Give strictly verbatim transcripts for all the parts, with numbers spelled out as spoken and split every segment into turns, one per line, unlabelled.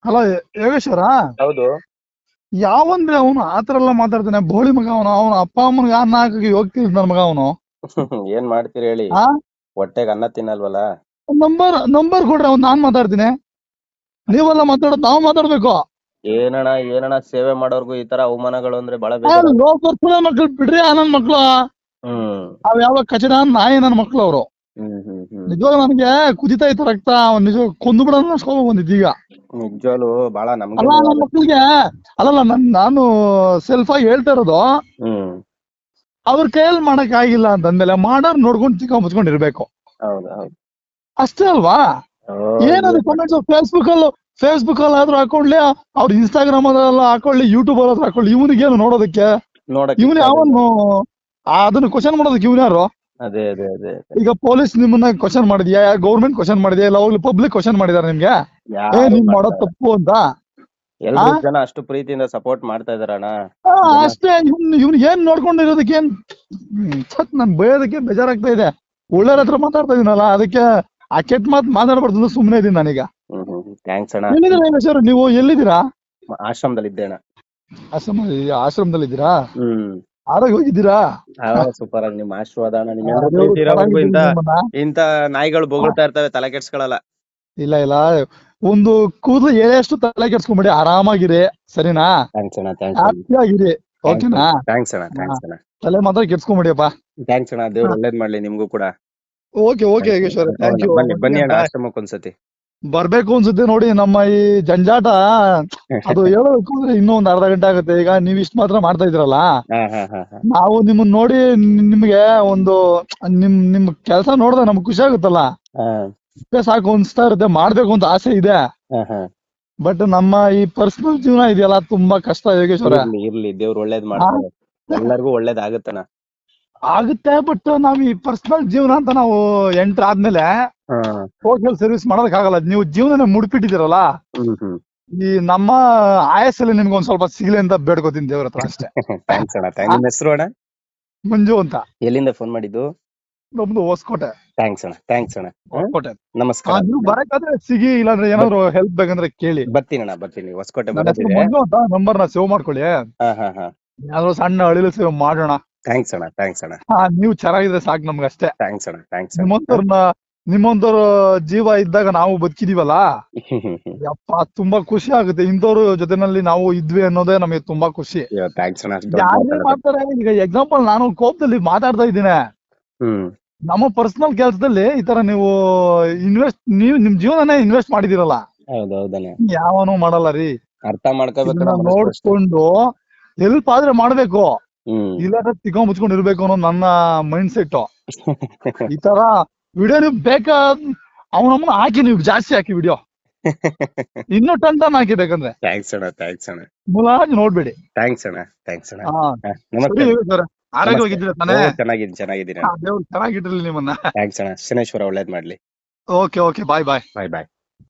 Hello Yogeshwara.
ಹೌದು.
ಯಾವಂದ್ರೆ ಅವನು ಆತರ ಎಲ್ಲ ಮಾತಾಡ್ತಾನೆ, ಬೋಳಿ ಮಗ ಅವನು. ಅವನ ಅಪ್ಪ ಅಮ್ಮನಿಗೆ ಅನ್ನ ಹಾಕಿ ಹೋಗ್ತಿದ್ ನನ್ ಮಗ ಅವನು.
ಏನ್ ಮಾಡ್ತೀರಿ ಹೇಳಿ,
ಆ
ಹೊಟ್ಟೆಗೆ ಅನ್ನ ತಿನ್ನಲ್ವಲ್ಲ.
ನಂಬರ್ ನಂಬರ್ ಕೊಡ್ರಿ, ಅವ್ನು ನಾನ್ ಮಾತಾಡ್ತೀನಿ. ನೀವೆಲ್ಲ ಮಾತಾಡೋದು ನಾವು ಮಾತಾಡ್ಬೇಕು.
ಏನಣ್ಣ ಏನಣ್ಣ ಸೇವೆ ಮಾಡೋರ್ಗು ಈ ತರ ಅವಮಾನಗಳು ಅಂದ್ರೆ ಬಹಳ
ಆ,
ಬೇಜಾರ.
ಲೋಕರ್ಪುರ ಮಕ್ಳು ಬಿಡ್ರಿ, ಆ ನನ್ ಮಕ್ಳು
ಹ್ಮ್
ಅವ್ ಯಾವ ಕಚಡ ನಾಯಿ ನನ್ ಮಕ್ಳು ಅವರು.
ಹ್ಮ್ ಹ್ಮ್ ಹ್ಮ್
ನಿಜವಾಗ ನನಗೆ ಕುದಿತಾ ಇತ್ತು ರಕ್ತ. ಅವ್ನ್ ನಿಜ ಕೊಂದು ಬಿಡೋಣ ಅನ್ಸ್ಕೊಂಡ್ ಬಂದಿದ್ದು ಈಗ.
ನಿಜವಾಗ್ಲು ಬಹಳ ನಮ್ಗೆ
ಅಲ್ಲ ನನ್ನ
ನೋವಾಗುತ್ತೆ.
ಮಕ್ಳಿಗೆ ಅಲ್ಲಲ್ಲ ನನ್ ನಾನು ಸೆಲ್ಫ್ ಆಗಿ ಹೇಳ್ತಾ ಇರೋದು.
ಹ್ಮ್
ಅವ್ರ ಕೈಯಲ್ಲಿ ಮಾಡಕ್ ಆಗಿಲ್ಲ ಅಂತಂದ್ಮೇಲೆ ಮಾಡೋರ್ ನೋಡ್ಕೊಂಡು ಚಿಕ್ಕ ಮುಚ್ಕೊಂಡಿರ್ಬೇಕು,
ಹೌದು ಹೌದು.
ಅಷ್ಟೇ ಅಲ್ವಾ?
ಓ,
ಏನದು
ಏನ್
ಕಮೆಂಟ್ಸ್ ಫೇಸ್ಬುಕ್ ಅಲ್ಲಿ ಫೇಸ್ಬುಕ್ ಅಲ್ಲಿ ಆದ್ರೂ ಹಾಕೊಳ್ಳಿ, ಅವ್ರ ಇನ್ಸ್ಟಾಗ್ರಾಮ್ ಅಲ್ಲ ಹಾಕೊಳ್ಳಿ, ಯೂಟ್ಯೂಬ್ ಅಲ್ಲಿ ಹಾಕೊಳ್ಳಿ, ಇವನಿಗೇನು ನೋಡೋದಕ್ಕೆ?
ನೋಡಕ್
ಇವನು
ಇಷ್ಟ ಆಗಲ್ಲ.
ಯಾವನು ಅದನ್ನ ಕ್ವಶನ್ ಮಾಡೋದಕ್ಕೆ ಇವನು ಯಾರು?
ಅದೇ ಅದೇ ಅದೇ ಅದೇ.
ಈಗ ಪೊಲೀಸ್ ನಿಮ್ಮನ್ನ ಕ್ವಶನ್ ಮಾಡಿದ್ಯಾ, ಗೌರ್ಮೆಂಟ್ ಕ್ವಶನ್ ಮಾಡಿದ್ಯಾ, ಇಲ್ಲ ಹೋಗ್ಲಿ ಪಬ್ಲಿಕ್ ಕ್ವಶನ್ ಮಾಡಿದಾರೆ ನಿಮ್ಗೆ? ಏ
ಯಾರು
ನೀನ್ ಮಾಡೋದ್
ಮಾಡ್ತಾರ?
ತಪ್ಪು ಅಂತ. ಆ
ಎಲ್ರು ಜನ ಅಷ್ಟು ಪ್ರೀತಿಯಿಂದ ಸಪೋರ್ಟ್ ಮಾಡ್ತಾ ಇದಾರಣ್ಣ
ಆ,
ಜನ.
ಅಷ್ಟೇ. ಇವ್ನ್ ಇವ್ನ್ ಏನ್ ನೋಡ್ಕೊಂಡಿರೋದಕ್ಕೆ ಏನ್ ಹ್ಮ್, ಛತ್ ನನ್ ಬಯೋದಕ್ಕೆ ಬೇಜಾರಾಗ್ತಾ ಇದೆ. ಒಳ್ಳೆಯವ್ರ ಹತ್ರ ಮಾತಾಡ್ತಾ ಇದೀನಲ್ಲ, ಅದಕ್ಕೆ ಆ ಕೆಟ್ಟ ಮಾತು ಮಾತಾಡ್ಬಾರ್ದು ಸುಮ್ಮನೆ ಇದೀನಿ ನಾನೀಗ.
ಹ್ಮ್ ಹ್ಮ್ ಥ್ಯಾಂಕ್ಸ್ ಅಣ್ಣ.
ಎಲ್ಲಿದ್ದೀರಾ ಯೋಗೇಶ್ವರ? ನೀವು ಎಲ್ಲಿದ್ದೀರಾ?
ಆಶ್ರಮದಲ್ಲಿ ಇದ್ದೇಣ.
ಆಶ್ರಮ ಆಶ್ರಮದಲ್ಲಿ ಇದ್ದೀರಾ?
ಹ್ಮ್
ಆರೋಗ್ಯ ಹೋಗಿದ್ದೀರಾ?
ಸೂಪರ್ ಆಗಿ ನಿಮ್ ಆಶೀರ್ವಾದ ಅಣ್ಣ. ನಿಮ್
ಆ,
ಎಲ್ರು
ದೇವ್ರು
ಪ್ರೀತಿ ಇರೋವರೆಗೂ
ಚೆನ್ನಾಗಿದ್ದೀರಿ
ಇಂತ
ನಿಮ್ಮನ್ನ.
ಇಂತ ನಾಯಿಗಳು
ಆ,
ಬೊಗಳ್ತಾ ಇರ್ತವೆ, ತಲೆ ಕೆಡ್ಸ್ಕೊಳಲ್ಲ.
ಇಲ್ಲ ಇಲ್ಲ, ಒಂದು ಕೂದಲು ಎಳೆಯಷ್ಟು ತಲೆ ಕೆಡ್ಸ್ಕೊಂಬಿಡಿ, ಆರಾಮಾಗಿರಿ, ಸರಿನಾ?
ಥ್ಯಾಂಕ್ಸ್ ಅಣ್ಣ, ಥ್ಯಾಂಕ್ಸ್ ಅಣ್ಣ,
ಹ್ಯಾಪಿ ಆಗಿರಿ,
ಥ್ಯಾಂಕ್ಸ್
ಓಕೆನಾ?
ಅಣ್ಣ, ಥ್ಯಾಂಕ್ಸ್ ಅಣ್ಣ,
ಹಾ,
ಥ್ಯಾಂಕ್ಸ್ ಅಣ್ಣ,
ತಲೆ ಮಾತ್ರ ಕೆಡ್ಸ್ಕೊಂಬಿಡಿಯಪ್ಪ.
ಥ್ಯಾಂಕ್ಸ್ ಅಣ್ಣ. ದೇವ್ರು ಒಳ್ಳೇದ್ ಮಾಡ್ಲಿ ನಿಮ್ಗೂ ಕೂಡ.
ಓಕೆ ಓಕೆ
ಥ್ಯಾಂಕ್ಸ್
ಯೋಗೇಶ್ವರ,
ಅಣ್ಣ.
ಥ್ಯಾಂಕ್
ಹೌದಾ,
ಯು.
ಬನ್ನಿ ಬನ್ನಿ ಅಣ್ಣ
ಬಾಯ್.
ಆಶ್ರಮಕ್ಕೆ ಒಂದ್ಸತಿ.
ಬರ್ಬೇಕು ಅನ್ಸುತ್ತೆ ನೋಡಿ, ನಮ್ಮ ಈ ಜಂಜಾಟ ಅದು ಹೇಳೋದಕ್ಕೂ ಅಂದ್ರೆ ಇನ್ನೂ ಒಂದ್ ಅರ್ಧ ಗಂಟೆ ಆಗುತ್ತೆ. ಈಗ ನೀವ್ ಇಷ್ಟ ಮಾತ್ರ ಮಾಡ್ತಾ ಇದ್ರಲ್ಲ,
ಹಾ ಹಾ ಹಾ ಹಾ
ನಾವು ನಿಮ್ಮನ್ನ ನೋಡಿ ನಿ- ನಿಮ್ಗೆ ಒಂದು ನಿಮ್ ನಿಮ್ ಕೆಲಸ ನೋಡಿದ್ರೆ ನಮ್ಗೆ ಖುಷಿ ಆಗುತ್ತಲ್ಲ,
ಹಾ
ಇಷ್ಟೇ ಸಾಕು ಅನ್ಸ್ತಾ ಇರುತ್ತೆ. ಮಾಡ್ಬೇಕು ಅಂತ ಆಸೆ ಇದೆ,
ಹಾ ಹಾ.
ಬಟ್ ನಮ್ಮ ಈ ಪರ್ಸನಲ್ ಜೀವನ ಇದೆಯಲ್ಲ, ತುಂಬಾ ಕಷ್ಟ ಯೋಗೇಶ್ವರ.
ಇರ್ಲಿ ಇರ್ಲಿ, ದೇವ್ರು ಒಳ್ಳೇದ್
ಆ,
ಮಾಡ್ತಾರೆ. ಎಲ್ಲರಿಗೂ ಒಳ್ಳೇದ್ ಆಗುತ್ತಣ್ಣ.
ಆಗುತ್ತೆ, ಬಟ್ ನಾವ್ ಈ ಪರ್ಸನಲ್ ಜೀವನ ಅಂತ ನಾವು ಎಂಟರ್ ಆದ್ಮೇಲೆ
ಹಾ
ಸೋಷಿಯಲ್ ಸರ್ವಿಸ್ ಮಾಡೋದಕ್ಕಾಗಲ್ಲ. ನೀವು ಜೀವನ ಮುಡ್ಪಿಟ್ಟಿದ್ದೀರಲ್ಲ,
ಹ್ಮ್ ಹ್ಮ್
ಈ ನಮ್ಮ ಆಯಸ್ಸಲ್ಲಿ ನಿಮ್ಗೆ ಒಂದ್ ಸ್ವಲ್ಪ ಸಿಗ್ಲಿ ಅಂತ ಬೇಡ್ಕೋತೀನಿ ದೇವ್ರ ಹತ್ರ, ಅಷ್ಟೇ.
ಥ್ಯಾಂಕ್ಸ್ ಅಣ್ಣ. ಥ್ಯಾಂಕ್
ಆ,
ನಿಮ್ ಹೆಸರು ಅಣ್ಣ?
ಮಂಜು ಅಂತ.
ಎಲ್ಲಿಂದ ಫೋನ್ ಮಾಡಿದ್ದು?
ನಮ್ದು ಹೊಸಕೋಟೆ.
ಥ್ಯಾಂಕ್ಸ್ ಅಣ್ಣ, ಥ್ಯಾಂಕ್ಸ್ ಅಣ್ಣ. ಹ್ಮ್?
ಹೊಸಕೋಟೆ. ಆ,
ನಮಸ್ಕಾರ.
ನೀವು ಬರಕಾದ್ರೆ ಸಿಗಿ, ಇಲ್ಲಾಂದ್ರೆ ಏನಾದ್ರು ಹೆಲ್ಪ್ ಬೇಕಂದ್ರೆ ಕೇಳಿ.
ಬರ್ತೀನಿ ಅಣ್ಣ, ಬರ್ತೀನಿ. ಹೊಸಕೋಟೆ
ನನ್ನ ಹೆಸರು
ಬರೋದಿದೆ.
ಮಂಜು ಅಂತ, ನಂಬರ್ ನ ಸೇವ್ ಮಾಡ್ಕೊಳ್ಳಿ.
ಹಾ ಹಾ ಹಾ.
ಯಾವ್ದೋ ಸಣ್ಣ ಅಳಿಲು ಸೇವ್ ಮಾಡೋಣ.
ಥ್ಯಾಂಕ್ಸ್ ಅಣ್ಣ, ಥ್ಯಾಂಕ್ಸ್ ಅಣ್ಣ,
ಹಾ, ನೀವು ಚೆನ್ನಾಗಿದ್ರೆ ಸಾಕು ನಮ್ಗೆ, ಅಷ್ಟೇ.
ಥ್ಯಾಂಕ್ಸ್ ಅಣ್ಣ, ಥ್ಯಾಂಕ್ಸ್ ಅಣ್ಣ.
ನಿಮ್ಮಂತವ್ರನ್ನ ನಿಮ್ಮಂತವ್ರ ಜೀವ ಇದ್ದಾಗ ನಾವು ಬದುಕಿದೀವಲ್ಲ, ಯಪ್ಪ ತುಂಬಾ ಖುಷಿ ಆಗುತ್ತೆ. ಇಂಥವ್ರ ಜೊತೆನಲ್ಲಿ ನಾವು ಇದ್ವಿ ಅನ್ನೋದೇ ನಮಗೆ ತುಂಬಾ ಖುಷಿ.
ಥ್ಯಾಂಕ್ಸ್ ಅಣ್ಣ, ಅಷ್ಟ್ ದೊಡ್ಡ
ಯಾರೇ
ಮಾತಾಡೋದು.
ಮಾಡ್ತಾರೆ, ಈಗ ಎಕ್ಸಾಂಪಲ್ ನಾನು ಕೋಪದಲ್ಲಿ ಮಾತಾಡ್ತಾ ಇದ್ದೀನಿ,
ಹ್ಮ್
ನಮ್ಮ ಪರ್ಸನಲ್ ಕೆಲಸದಲ್ಲಿ ಈ ತರ ನೀವು ಇನ್ವೆಸ್ಟ್, ನೀವು ನಿಮ್ ಜೀವನನೇ ಇನ್ವೆಸ್ಟ್ ಮಾಡಿದಿರಲ್ಲ,
ಹೌದೌದಣ್ಣ.
ಯಾವನು ಮಾಡಲ್ಲ ರೀ.
ಅರ್ಥ ಮಾಡ್ಕೋಬೇಕು
ಇದನ್ನ
ನಮ್ಮ ಮನುಷ್ಯರು ಅಷ್ಟೇ.
ನೋಡ್ಕೊಂಡು ಹೆಲ್ಪ್ ಆದ್ರೆ ಮಾಡ್ಬೇಕು,
ಹ್ಮ್
ಇಲ್ಲಾಂದ್ರೆ ತಿಕ್ಕ ಮುಚ್ಕೊಂಡು ಇರ್ಬೇಕು ಅನ್ನೋ ನನ್ನ ಮೈಂಡ್ ಸೆಟ್. ಈ ತರ ವಿಡಿಯೋ ನೀವು ಬೇಕಾ ಅವನಮ್ಮನ ಹಾಕಿ, ನೀವು ಜಾಸ್ತಿ ಹಾಕಿ ವಿಡಿಯೋ, ಇನ್ನೂ ಟನ್ ಟನ್ ಹಾಕಿ ಬೇಕಂದ್ರೆ.
ಥ್ಯಾಂಕ್ಸ್ ಅಣ್ಣ, ಥ್ಯಾಂಕ್ಸ್ ಅಣ್ಣ,
ಮುಲಾಜ್ ನೋಡ್ಬೇಡಿ.
ಥ್ಯಾಂಕ್ಸ್ ಅಣ್ಣ, ಥ್ಯಾಂಕ್ಸ್ ಅಣ್ಣ.
ಹಾ,
ಹಾ,
ಸರಿ
ನಮಸ್ತೆ.
ಸರ್. ಆರೋಗ್ಯವಾಗಿದ್ದೀರಾ ತಾನೇ?
ಓ, ಚೆನ್ನಾಗಿದ್ದೀನಿ ಚೆನ್ನಾಗಿದ್ದೀನಿ
ಹಾ,
ಅಣ್ಣ.
ದೇವ್ರು ಚೆನ್ನಾಗಿಟ್ಟಿರ್ಲಿ ನಿಮ್ಮನ್ನ.
ಥ್ಯಾಂಕ್ಸ್ ಅಣ್ಣ. ಶನೇಶ್ವರ ಒಳ್ಳೇದ್ ಮಾಡ್ಲಿ.
Okay okay, bye bye.
Bye bye.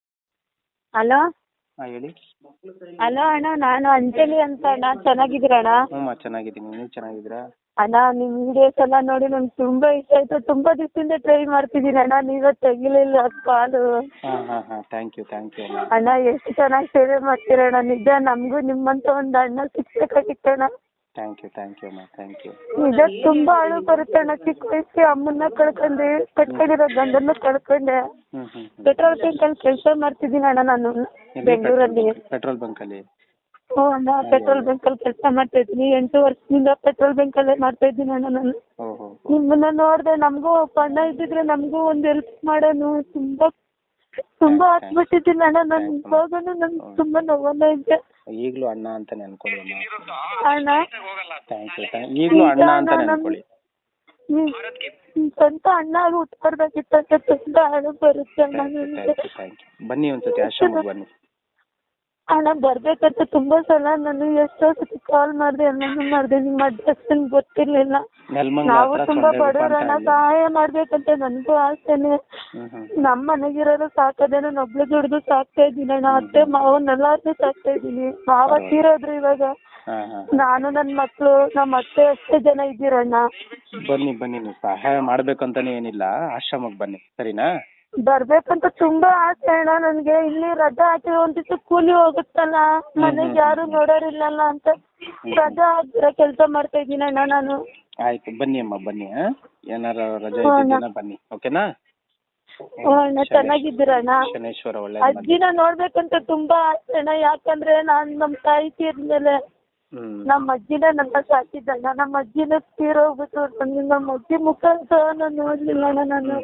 Hello
ಹಾ ಹೇಳಿ.
ಹಲೋ ಅಣ್ಣ, ನಾನು ಅಂಜಲಿ ಅಂತ ಅಣ್ಣ. ಚೆನ್ನಾಗಿದ್ದೀರಣ್ಣ?
ಹ್ಮ್ ಚೆನ್ನಾಗಿದ್ದೀನಿ, ನೀವು ಚೆನ್ನಾಗಿದ್ದೀರಾ?
ಅಣ್ಣ, ನಿಮ್ಮ ವಿಡಿಯೋಸ್ ಎಲ್ಲ ನೋಡಿ ನಂಗೆ ತುಂಬಾ ಇಷ್ಟ ಆಯ್ತು. ತುಂಬಾ ದಿವಸದಿಂದ ಟ್ರೈ ಮಾಡ್ತಿದ್ದೀನಿ ಅಣ್ಣ, ನೀವೇ ತೆಗಿಲಿಲ್ಲ ಕಾಲು.
ಹಾ ಹಾ ಹಾ ಥ್ಯಾಂಕ್ ಯು ಥ್ಯಾಂಕ್ ಯು ಅಣ್ಣ.
ಅಣ್ಣ, ಎಷ್ಟು ಚೆನ್ನಾಗಿ ಸೇವೆ ಮಾಡ್ತೀರಣ್ಣ. ನಿಜ ನಮಗೂ ನಿಮ್ಮಂತ ಒಂದು ಅಣ್ಣ ಸಿಕ್ಬೇಕಾಗಿತ್ತಣ್ಣ.
ಥ್ಯಾಂಕ್ ಯು ಥ್ಯಾಂಕ್ ಯು ಅಮ್ಮ, ಥ್ಯಾಂಕ್ ಯು.
ನಿಜ ತುಂಬಾ ಅಳು ಬರುತ್ತೆ ಅಣ್ಣ. ಚಿಕ್ಕ ವಯಸ್ಸಿಗೆ ಅಮ್ಮನ್ನ ಕಳ್ಕೊಂಡೆ, ಕಟ್ಕೊಂಡಿರೋ ಗಂಡನ್ನ ಕಳ್ಕೊಂಡೆ.
ಹ್ಮ್ ಹ್ಮ್
ಪೆಟ್ರೋಲ್ ಬಂಕ್ ಅಲ್ಲಿ ಕೆಲಸ ಮಾಡ್ತಿದ್ದೀನಿ ಅಣ್ಣ ನಾನು, ಬೆಂಗಳೂರಲ್ಲಿ.
ಪೆಟ್ರೋಲ್ ಬಂಕ್ ಅಲ್ಲಿ?
ಹ್ಞೂ ಅಣ್ಣ, ಪೆಟ್ರೋಲ್ ಬಂಕ್ ಅಲ್ಲಿ ಕೆಲಸ ಮಾಡ್ತಾ ಇದ್ದೀನಿ. ಎಂಟು ವರ್ಷದಿಂದ ಪೆಟ್ರೋಲ್ ಬಂಕ್ ಅಲ್ಲೇ ಮಾಡ್ತಾ ಇದ್ದೀನಿ ಅಣ್ಣ ನಾನು.
ಓಹೋ.
ನಿಮ್ಮನ್ನ ನೋಡ್ದೆ ನಮಗೂ ಒಬ್ಬ ಅಣ್ಣ ಇದ್ದಿದ್ರೆ ನಮಗೂ ಒಂದು ಹೆಲ್ಪ್ ಮಾಡೋನು. ತುಂಬಾ ತುಂಬಾ ಹತ್ಬಿಟ್ಟಿದ್ದೀನಿ ಅಣ್ಣ ನಾನು. ಇವಾಗನು ನನ್ಗೆ ತುಂಬಾ ನೋವನ್ನ ಇದೆ.
ಈಗ್ಲೂ ಅಣ್ಣ ಅಂತಾನೆ ಅನ್ಕೊಳ್ಳಿ ಅಮ್ಮ.
ಅಣ್ಣ,
ಥ್ಯಾಂಕ್ ಯು ಥ್ಯಾಂಕ್ ಈಗ್ಲೂ ಅಣ್ಣ ಅಂತಾನೆ ಅನ್ಕೊಳ್ಳಿ.
ನೀವ್ ಸ್ವಂತ ಅಣ್ಣ ಆಗಿ ಹುಟ್ಕೊಡ್ಬೇಕಿತ್ತು ಅಂತ ತುಂಬಾ ಅಳು ಬರುತ್ತೆ ಅಣ್ಣ ನನಗೆ.
Thank you thank you. ಬನ್ನಿ ಒಂದ್ಸತಿ ಆಶ್ರಮಕ್ಕೆ ಬನ್ನಿ.
ಅಣ್ಣ, ಬರ್ಬೇಕಂತ ತುಂಬಾ ಸಲ ನಾನು ಎಷ್ಟೋ ಸತಿ ಕಾಲ್ ಮಾಡಿದೆ, ಎಲ್ಲಾನು ಮಾಡಿದೆ. ನಿಮ್ಮ ಅಡ್ರೆಸ್ ನಂಗೆ ಗೊತ್ತಿರ್ಲಿಲ್ಲ.
ನೆಲಮಂಗಲ
ನಾವು
ಹತ್ರ
ತುಂಬಾ
ಸೊಂಡೆ ಗುಪ್ಪ
ಬಡವ್ರಣ್ಣ,
ಅಂತ
ಸಹಾಯ ಮಾಡ್ಬೇಕಂತ ನನಗೂ ಆಸೆನೆ.
ಹ್ಮ್ ಹ್ಮ್
ನಮ್ಮ ಮನೆಗಿರೋರು ಸಾಕೋದೇ, ನಾನು ಒಬ್ಳು ದುಡ್ದು ಸಾಕ್ತಾ ಇದ್ದೀನಿ ಅಣ್ಣ. ಅತ್ತೆ ಮಾವನ್ನೆಲ್ಲಾರ್ನು ಸಾಕ್ತಾ ಇದ್ದೀನಿ. ಮಾವ ತೀರೋದ್ರು ಇವಾಗ.
ಹಾ ಹಾ.
ನಾನು ನನ್ನ ಮಕ್ಳು, ನಮ್ಮ ಅತ್ತೆ ಅಷ್ಟೇ ಜನ ಇದ್ದೀರಣ್ಣ.
ಬನ್ನಿ ಬನ್ನಿ, ನೀವು ಸಹಾಯ ಮಾಡ್ಬೇಕಂತಾನೆ ಏನಿಲ್ಲ, ಆಶ್ರಮಕ್ಕೆ ಬನ್ನಿ, ಸರಿನಾ?
ಬರ್ಬೇಕಂತ ತುಂಬಾ ಆಸೆ ಅಣ್ಣ ನನ್ಗೆ. ಇಲ್ಲಿ ರಜಾ ಹಾಕಿ ಒಂದ್ ದಿವಸ ಕೂಲಿ ಹೋಗುತ್ತಲ್ಲ, ಮನೆಗ್ ಯಾರು ನೋಡೋರಿಲ್ಲಲ್ಲ ಅಂತ ರಜಾ ಹಾಕಿರೋ ಕೆಲ್ಸ ಮಾಡ್ತಾ ಇದೀನಿ ಅಣ್ಣ ನಾನು.
ಆಯ್ತು ಬನ್ನಿ ಅಮ್ಮ ಬನ್ನಿ. ಹಾ ಏನಾರ ರಜೆ ಇದ್ದಿದ್ದೀನ ಬನ್ನಿ, ಓಕೆನಾ?
ಹ್ಞೂ ಅಣ್ಣ, ಚೆನ್ನಾಗಿದ್ದೀರಣ್ಣ?
ಶನೇಶ್ವರ ಒಳ್ಳೆ
ಅಜ್ಜಿನ ನೋಡ್ಬೇಕಂತ ತುಂಬಾ ಆಸೆ ಅಣ್ಣ. ಯಾಕಂದ್ರೆ ನಾನ್ ನಮ್ ತಾಯಿ ತೀರ್ದ್ಮೇಲೆ ನಮ್ಮ ಅಜ್ಜಿನ ನನ್ನ ಸಾಕಿದ್ದಣ್ಣ. ನಮ್ಮ ಅಜ್ಜಿನ ತೀರೋಗ್ಬಿಟ್ಟು ನನಗೆ ನಮ್ಮ ಅಜ್ಜಿ ಮುಖ ಅಂತ ನಾನು ನೋಡ್ಲಿಲ್ಲ ಅಣ್ಣ. ನಾನು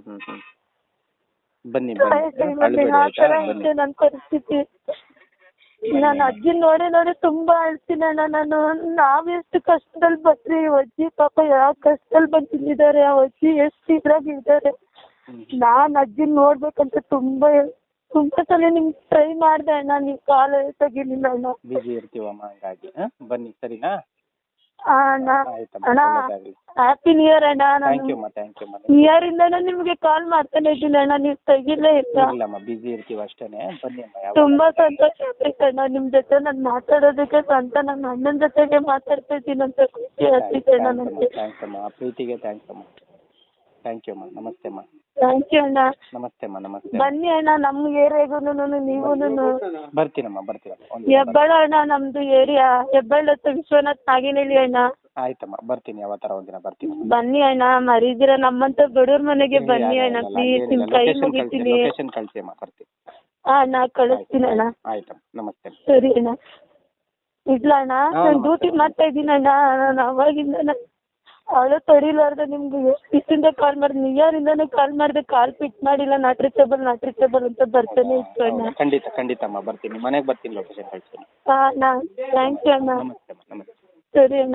ಬನ್ನಿ
ಆ ತರ ಇದೆ ನನ್ನ ಪರಿಸ್ಥಿತಿ. ನಾನು ಅಜ್ಜಿ ನೋಡಿ ನೋಡಿ ತುಂಬಾ ಅಳ್ತೀನಿ ಅಣ್ಣ ನಾನು. ನಾವೆಷ್ಟು ಕಷ್ಟದಲ್ಲಿ ಬಂದ್ರಿ, ಅಜ್ಜಿ ಪಾಪ ಯಾವ ಕಷ್ಟದಲ್ಲಿ ಬಂದಿದ್ದಾರೆ, ಆ ಅಜ್ಜಿ ಎಷ್ಟು ಇದ್ರಾಗ ಇದ್ದಾರೆ. ನಾನ್ ಅಜ್ಜಿನ ನೋಡ್ಬೇಕಂತ ತುಂಬಾ ತುಂಬಾ ಸಲ ನಿಮ್ಗೆ ಟ್ರೈ ಮಾಡ್ದೆ ಅಣ್ಣ, ನೀವ್ ಕಾಲ್ ತೆಗಿಲಿಲ್ಲ ಅಣ್ಣ.
ಬಿಜಿ ಇರ್ತೀವಮ್ಮ, ಹಂಗಾಗಿ ಬನ್ನಿ ಸರಿನಾ?
ಅಣ್ಣ ಅಣ್ಣ ಹ್ಯಾಪಿ ನ್ಯೂ ಇಯರ್ ಅಣ್ಣ. ನಾನು ನ್ಯೂ ಇಯರ್ ಇಂದ ನಿಮ್ಗೆ ಕಾಲ್ ಮಾಡ್ತಾನೆ ಇದ್ದೀನಿ ಅಣ್ಣ, ನೀವ್ ತೆಗಿಲೇ ಇಲ್ಲ.
ಬಿಜಿ ಇರ್ತೀವಿ ಅಷ್ಟೇನೆ, ಬನ್ನಿ ಅಮ್ಮ.
ತುಂಬಾ ಸಂತೋಷ ಆಗ್ತೈತೆ ಅಣ್ಣ ನಿಮ್ ಜೊತೆ ನಾನು ಮಾತಾಡೋದಕ್ಕೆ. ಸ್ವಂತ ನನ್ನ ಅಣ್ಣನ ಜೊತೆಗೆ ಮಾತಾಡ್ತಾ ಇದ್ದೀನಿ ಅಂತ ಖುಷಿ ಆಗ್ತಿದೆ ಅಣ್ಣ ನನಗೆ.
ಥ್ಯಾಂಕ್ಸ್ ಅಮ್ಮ, ಪ್ರೀತಿಗೆ ಥ್ಯಾಂಕ್ಸ್ ಅಮ್ಮ. ಥ್ಯಾಂಕ್ ಯು ಅಮ್ಮ, ನಮಸ್ತೆ ಅಮ್ಮ.
ಥ್ಯಾಂಕ್ ಯು ಅಣ್ಣ.
ನಮಸ್ತೆ ಅಮ್ಮ, ನಮಸ್ತೆ.
ಬನ್ನಿ ಅಣ್ಣ ನಮ್ ಏರಿಯಾಗೂನು ನೀವೂನು.
ಬರ್ತೀನಮ್ಮ ಬರ್ತೀನಮ್ಮ.
ಹೆಬ್ಬಾಳ ಅಣ್ಣ ನಮ್ದು ಏರಿಯಾ, ಹೆಬ್ಬಾಳ ಹತ್ರ ವಿಶ್ವನಾಥ್ ನಾಗಿನಹಳ್ಳಿ ಅಣ್ಣ.
ಆಯ್ತಮ್ಮ ಬರ್ತೀನಿ, ಯಾವತ್ತರ ಒಂದಿನ ಬರ್ತೀನಿ.
ಬನ್ನಿ ಅಣ್ಣ, ಮರಿದಿರ ನಮ್ಮಂತ ಬಡವ್ರ ಮನೆಗೆ ಬನ್ನಿ ಅಣ್ಣ ಪ್ಲೀಸ್. ನಿಮ್ ಕೈ ಮುಗಿತೀನಿ.
ಲೊಕೇಶನ್ ಕಳಿಸಿ ಅಮ್ಮ, ಬರ್ತೀನಿ.
ಹಾ ಅಣ್ಣ ಕಳಿಸ್ತೀನಿ ಅಣ್ಣ.
ಆಯ್ತಮ್ಮ, ನಮಸ್ತೆ.
ಸರಿ ಅಣ್ಣ, ಇಡ್ಲ ಅಣ್ಣ. ನಾನು ಡ್ಯೂಟಿ ಮಾಡ್ತಾ ಇದ್ದೀನಿ ಅಣ್ಣ. ನಾನು ಅವಾಗಿಂದ ಅವಳು ತಡಿಲಾರ್ದೆ ನಿಮ್ಗೆ ಎಷ್ಟು ದಿವಸದಿಂದ ಕಾಲ್ ಮಾಡಿದೆ, ನ್ಯೂ ಇಯರ್ ಇಂದಾನು ಕಾಲ್ ಮಾಡಿದೆ, ಕಾಲ್ ಪಿಕ್ ಮಾಡಿಲ್ಲ. ನಾಟ್ ರೀಚಬಲ್ ನಾಟ್ ರೀಚಬಲ್ ಅಂತ ಬರ್ತಾನೆ ಇತ್ತು ಅಣ್ಣ.
ಖಂಡಿತ ಖಂಡಿತ ಅಮ್ಮ ಬರ್ತೀನಿ, ಮನೆಗೆ ಬರ್ತೀನಿ, ಲೊಕೇಶನ್ ಕಳಿಸ್ತೀನಿ.
ಹಾ ಅಣ್ಣ, ಥ್ಯಾಂಕ್ ಯು ಅಣ್ಣ.
ನಮಸ್ತೆ ಅಮ್ಮ, ನಮಸ್ತೆ.
ಸರಿ ಅಣ್ಣ.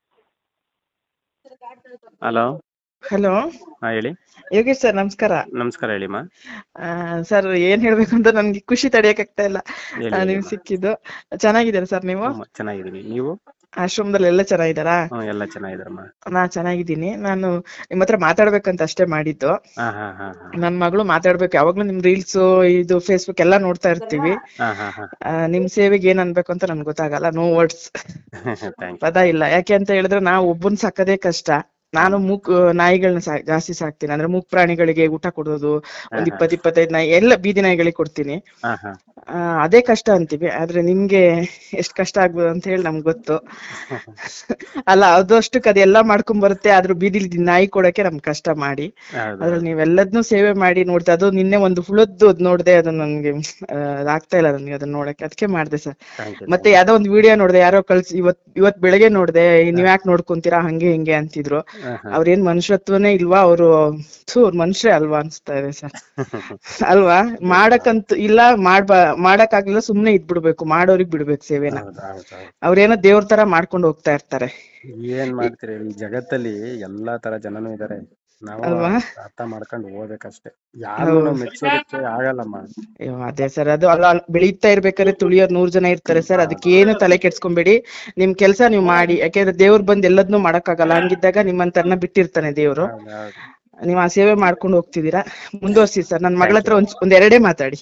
ಹಲೋ
ಹಲೋ,
ಹಾ ಹೇಳಿ.
ಯೋಗೇಶ್ ಸರ್ ನಮಸ್ಕಾರ.
ನಮಸ್ಕಾರ ಹೇಳಿಮ್ಮ.
ಸರ್ ಏನ್ ಹೇಳ್ಬೇಕು ಅಂತ ನನ್ಗೆ ಖುಷಿ ತಡೆಯಕ್ ಆಗ್ತಾ ಇಲ್ಲ. ನೀವು ಸಿಕ್ಕಿದ್ದು ಚೆನ್ನಾಗಿದ್ದೀರಾ ಸರ್? ನೀವು?
ಚೆನ್ನಾಗಿದ್ದೀನಿ. ನೀವು?
ಆಶ್ರಮದಲ್ಲಿ ಎಲ್ಲ ಚೆನ್ನಾಗಿದ್ದಾರಾ?
ಎಲ್ಲ ಚೆನ್ನಾಗಿದ್ದಾರಮ್ಮ.
ನಾ ಚೆನ್ನಾಗಿದ್ದೀನಿ. ನಾನು ನಿಮ್ ಹತ್ರ ಮಾತಾಡ್ಬೇಕಂತ ಅಷ್ಟೇ ಮಾಡಿದ್ದು. ನನ್ ಮಗಳು ಮಾತಾಡ್ಬೇಕು, ಯಾವಾಗ್ಲೂ ನಿಮ್ ರೀಲ್ಸ್ ಇದು ಫೇಸ್ಬುಕ್ ಎಲ್ಲಾ ನೋಡ್ತಾ ಇರ್ತೀವಿ. ನಿಮ್ ಸೇವೆಗೆ ಏನ್ ಅನ್ಬೇಕು ಅಂತ ನನ್ಗೆ ಗೊತ್ತಾಗಲ್ಲ, ನೋ ವರ್ಡ್ಸ್, ಪದ ಇಲ್ಲ. ಯಾಕೆ ಅಂತ ಹೇಳಿದ್ರೆ ನಾವು ಒಬ್ಬನ್ ಸಾಕದೇ ಕಷ್ಟ. ನಾನು ಮೂಕ್ ನಾಯಿಗಳನ್ನ ಸಾ ಜಾಸ್ತಿ ಸಾಕ್ತೀನಿ. ಅಂದ್ರೆ ಮೂಕ್ ಪ್ರಾಣಿಗಳಿಗೆ ಊಟ ಕೊಡೋದು, ಒಂದ್ ಇಪ್ಪತ್ ಇಪ್ಪತ್ತೈದು ನಾಯಿ ಎಲ್ಲ ಬೀದಿ ನಾಯಿಗಳಿಗೆ ಕೊಡ್ತೀನಿ. ಅದೇ ಕಷ್ಟ ಅಂತೀವಿ, ಆದ್ರೆ ನಿಮ್ಗೆ ಎಷ್ಟ್ ಕಷ್ಟ ಆಗ್ಬೋದು ಅಂತ ಹೇಳಿ ನಮ್ಗೆ ಗೊತ್ತು. ಅಲ್ಲ ಅದಷ್ಟಕ್ಕೆ ಅದೆಲ್ಲ ಮಾಡ್ಕೊಂಡ್ ಬರುತ್ತೆ, ಆದ್ರೂ ಬೀದಿಲಿ ನಾಯಿ ಕೊಡಕ್ಕೆ ನಮ್ಗೆ ಕಷ್ಟ ಮಾಡಿ. ಅದ್ರಲ್ಲಿ ನೀವೆಲ್ಲದನ್ನೂ ಸೇವೆ ಮಾಡಿ ನೋಡ್ತಾ, ಅದು ನಿನ್ನೆ ಒಂದು ಹುಳದ್ದು ನೋಡ್ದೆ, ಅದು ನನ್ಗೆ ಆಗ್ತಾ ಇಲ್ಲ ನನ್ಗೆ ಅದನ್ನ ನೋಡಕ್ಕೆ, ಅದಕ್ಕೆ ಮಾಡ್ದೆ ಸರ್. ಮತ್ತೆ ಯಾವ್ದೋ ಒಂದ್ ವಿಡಿಯೋ ನೋಡ್ದೆ, ಯಾರೋ ಕಳ್ಸಿ ಇವತ್ ಇವತ್ ಬೆಳಗ್ಗೆ ನೋಡ್ದೆ, ನೀವ್ ಯಾಕೆ ನೋಡ್ಕೊಂತೀರಾ ಹಂಗೆ ಹಿಂಗೆ ಅಂತಿದ್ರು. ಅವ್ರೇನ್ ಮನುಷ್ಯತ್ವನೇ ಇಲ್ವಾ ಅವರು? ಅವ್ರ ಮನುಷ್ಯರೇ ಅಲ್ವಾ ಅನ್ಸ್ತಾ ಇದೆ ಸರ್. ಅಲ್ವಾ? ಮಾಡಕ್ಕಂತ ಇಲ್ಲ, ಮಾಡ್ಬಾ ಮಾಡಕ್ ಆಗ್ಲಿಲ್ಲ, ಸುಮ್ನೆ ಇದ್ಬಿಡ್ಬೇಕು, ಮಾಡೋರಿಗ್ ಬಿಡ್ಬೇಕು ಸೇವೆನ. ಅವ್ರೇನೋ ದೇವ್ರ ತರ ಮಾಡ್ಕೊಂಡು ಹೋಗ್ತಾ ಇರ್ತಾರೆ.
ಏನ್ ಮಾಡ್ತೀರಿ, ಈ ಜಗತ್ತಲ್ಲಿ ಎಲ್ಲಾ ತರ ಜನನೂ ಇದಾರೆ, ನಾವು ಅರ್ಥ ಮಾಡ್ಕೊಂಡು ಹೋಗ್ಬೇಕಷ್ಟೇ. ಯಾರು ಮೆಚ್ಚೋದಕ್ಕೆ ಆಗಲ್ಲಮ್ಮ.
ಅದೇ ಸರ್, ಅದು ಅಲ್ಲ ಬೆಳೀತಾ ಇರ್ಬೇಕಾದ್ರೆ ತುಳಿಯೋರ್ ನೂರ್ ಜನ ಇರ್ತಾರೆ ಸರ್. ಅದಕ್ಕೇನು ತಲೆ ಕೆಡ್ಸ್ಕೊಂಬೇಡಿ, ನಿಮ್ ಕೆಲ್ಸ ನೀವ್ ಮಾಡಿ. ಯಾಕೆಂದ್ರೆ ದೇವ್ರು ಬಂದ್ ಎಲ್ಲದನ್ನೂ ಮಾಡಕ್ ಆಗಲ್ಲ. ಹಂಗಿದ್ದಾಗ ನಿಮ್ಮಂತರ್ನ ಬಿಟ್ಟಿರ್ತಾನೆ ದೇವ್ರು. ನೀವ್ ಆ ಸೇವೆ ಮಾಡ್ಕೊಂಡು ಹೋಗ್ತಿದೀರಾ, ಮುಂದುವರ್ಸಿ ಸರ್. ನನ್ ಮಗಳ ಹತ್ರ ಒಂದ್ ಒಂದ್ ಎರಡೇ ಮಾತಾಡಿ.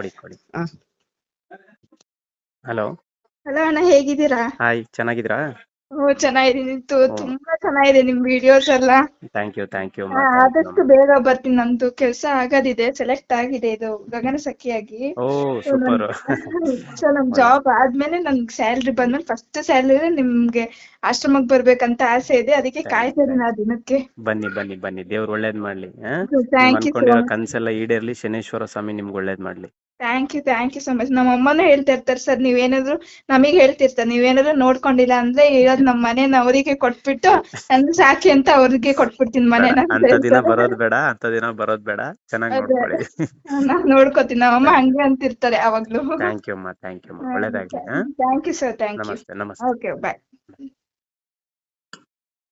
ಹಲೋ
ಹಲೋ ಅಣ್ಣ, ಹೇಗಿದ್ದೀರಾ?
ಹಾಯ್, ಚೆನ್ನಾಗಿದ್ದೀರಾ?
ಓ ಚೆನ್ನಾಗಿದ್ದೀನಿ, ತುಂಬಾ ಚೆನ್ನಾಗಿದೆ ನಿಮ್ ವಿಡಿಯೋಸ್ ಎಲ್ಲ.
Thank you thank you.
ಆದಷ್ಟು ಬೇಗ ಬರ್ತೀನಿ, ನಂದು ಕೆಲಸ ಆಗೋದಿದೆ, ಸೆಲೆಕ್ಟ್ ಆಗಿದೆ ಇದು ಗಗನ ಸಖಿಯಾಗಿ.
Oh super.
ಸೊ ನಮ್ ಜಾಬ್ ಆದ್ಮೇಲೆ ನನ್ಗೆ ಸ್ಯಾಲ್ರಿ ಬಂದ್ಮೇಲೆ ಫಸ್ಟ್ ಸ್ಯಾಲ್ರಿ ನಿಮ್ಗೆ ಆಶ್ರಮಕ್ಕೆ ಬರ್ಬೇಕಂತ ಆಸೆ ಇದೆ, ಅದಕ್ಕೆ ಕಾಯ್ತಾ ಇದೀನಿ ಆ ದಿನಕ್ಕೆ.
ಬನ್ನಿ ಬನ್ನಿ ಬನ್ನಿ, ದೇವ್ರು ಒಳ್ಳೇದ್ ಮಾಡ್ಲಿ.
Thank you.
ಕನ್ಸೆಲ್ಲ ಈಡೇರ್ಲಿ, ಶನೇಶ್ವರ ಸ್ವಾಮಿ ನಿಮ್ಗೆ ಒಳ್ಳೇದ್ ಮಾಡ್ಲಿ.
Thank you thank you so much. ನಮ್ಮ ಅಮ್ಮನೂ ಹೇಳ್ತಾ ಇರ್ತಾರೆ ಸರ್, ನೀವೇನಾದ್ರು ನಮಗ್ ಹೇಳ್ತಿರ್ತಾರೆ, ನೀವೇನಾದ್ರು ನೋಡ್ಕೊಂಡಿಲ್ಲ ಅಂದ್ರೆ ಇರೋದ್ ನಮ್ ಮನೇನ ಅವರಿಗೆ ಕೊಟ್ಬಿಟ್ಟು ನನ್ ಸಾಕಿ ಅಂತ ಅವ್ರಿಗೆ ಕೊಟ್ಬಿಡ್ತೀನಿ ಮನೇನ.
ಅಂತ ದಿನ ಬರೋದ್ ಬೇಡ, ಅಂತ ದಿನ ಬರೋದ್ ಬೇಡ, ಚೆನ್ನಾಗಿ ನೋಡ್ಕೊಳ್ಳಿ.
ನಾನ್ ನೋಡ್ಕೋತೀನಿ, ನಮ್ಮಮ್ಮ ಹಂಗೆ ಅಂತಿರ್ತಾರೆ ಯಾವಾಗ್ಲೂ.
ಥ್ಯಾಂಕ್ ಯು ಅಮ್ಮ, ಥ್ಯಾಂಕ್ ಯು ಅಮ್ಮ, ಒಳ್ಳೇದಾಗ್ಲಿ.
Thank you sir, thank you.
ನಮಸ್ತೆ ನಮಸ್ತೆ.
ಓಕೆ, ಬಾಯ್.